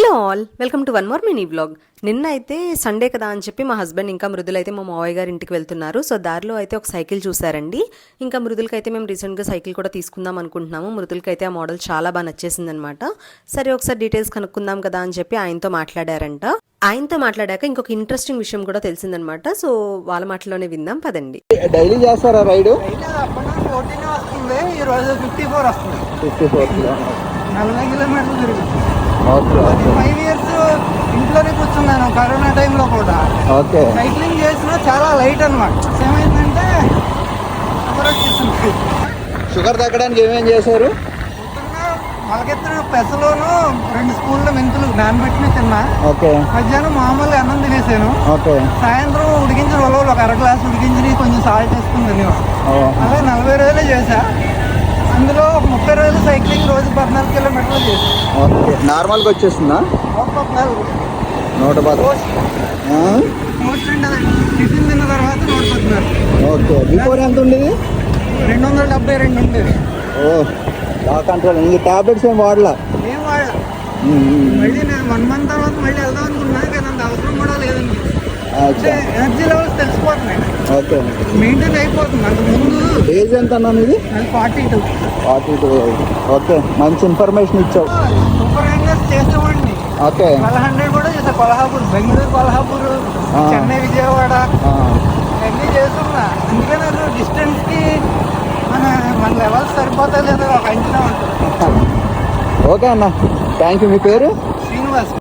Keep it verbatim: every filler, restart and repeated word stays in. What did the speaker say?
Hello all, welcome to one more mini vlog. నిన్న అయితే Sunday కదా అని చెప్పి మా హస్బెండ్ ఇంకా మృదులు అయితే మా మావయ్య గారి ఇంటికి వెళ్తున్నారు. సో దారిలో అయితే ఒక సైకిల్ చూసారండి. ఇంకా మృదులకి అయితే మేము రీసెంట్గా సైకిల్ కూడా తీసుకుందాం అనుకుంటున్నాము. మృదులకి అయితే ఆ మోడల్ చాలా బాగా నచ్చేసింది అనమాట. సరే ఒకసారి డీటెయిల్స్ కనుక్కుందాం కదా అని చెప్పి ఆయనతో మాట్లాడారంట. ఆయనతో మాట్లాడాక ఇంకొక ఇంట్రెస్టింగ్ విషయం కూడా తెలిసిందనమాట. సో వాళ్ళ మాటలోనే విందాం పదండి. డైలీ చేస్తారా రైడ్? ఈ రోజు ఫిఫ్టీ ఫోర్ వస్తుంది. ఫిఫ్టీ ఫోర్ నలభై కిలోమీటర్లు తిరిగింది. ఓకే ఫైవ్ ఇయర్స్ ఇంట్లోనే కూర్చున్నాను కరోనా టైంలో కూడా. ఓకే సైక్లింగ్ చేసినా చాలా లైట్ అనమాట. ఏమైందంటే వచ్చేసింది. షుగర్ తగ్గడానికి ఏమేం చేశారు? పొద్దున్న మొలకెత్తిన పెసలోను రెండు స్పూన్ల మెంతులు నానబెట్టిన తిన్నా. ఓకే మధ్యాహ్నం మామూలుగా అన్నం తినేసాను. ఓకే సాయంత్రం ఉడికించిన ఉలవలు ఒక అర గ్లాసు ఉడికించి కొంచెం సాల్ట్ వేసుకుని తినేవాడు. అలా నలభై రోజులే చేశా. అందులో ఒక ముప్పై రోజులు సైక్లింగ్, రోజు పద్నాలుగు కిలోమీటర్లు చేశాను. ఓకే నార్మల్గా వచ్చేస్తుందా? ఒక పద్నాలుగు నూట పది. టిఫిన్ తిన్న తర్వాత నూట పద్నాలుగు. ఓకే బిఫోర్ ఎంత ఉండేది? రెండు వందల డెబ్బై రెండు ఉండేది. ఓ బాగా కంట్రోల్. ఇంక టాబ్లెట్స్ ఏం వాడలా? ఏం వాడా. మళ్ళీ నేను వన్ మంత్ తర్వాత మళ్ళీ వెళ్దాం అనుకున్నా, కానీ అంత అవసరం కూడా లేదండి. అంటే ఎనర్జీ లెవెల్స్ తెలిసిపోతున్నాయి. ఓకే మెయింటైన్ అయిపోతుంది. అంత ముందు ఏజ్ ఎంత అన్నాను ఇది? అది forty two. Forty two. Okay మంచి ఇన్ఫర్మేషన్ ఇచ్చావు. సూపర్ హ్యాంగర్స్ చేసేవాడిని. ఓకే ట్వెల్వ్ హండ్రెడ్ కూడా చేసా. కొల్హాపూర్, బెంగళూరు, కొల్హాపూర్, చెన్నై, విజయవాడ అన్నీ చేస్తున్నా. అందుకే నాకు డిస్టెన్స్కి మన మన లెవెల్స్ సరిపోతా లేదా ఒక అంచనా ఉంటుంది. ఓకే అన్న, థ్యాంక్ యూ. మీ పేరు? శ్రీనివాస్.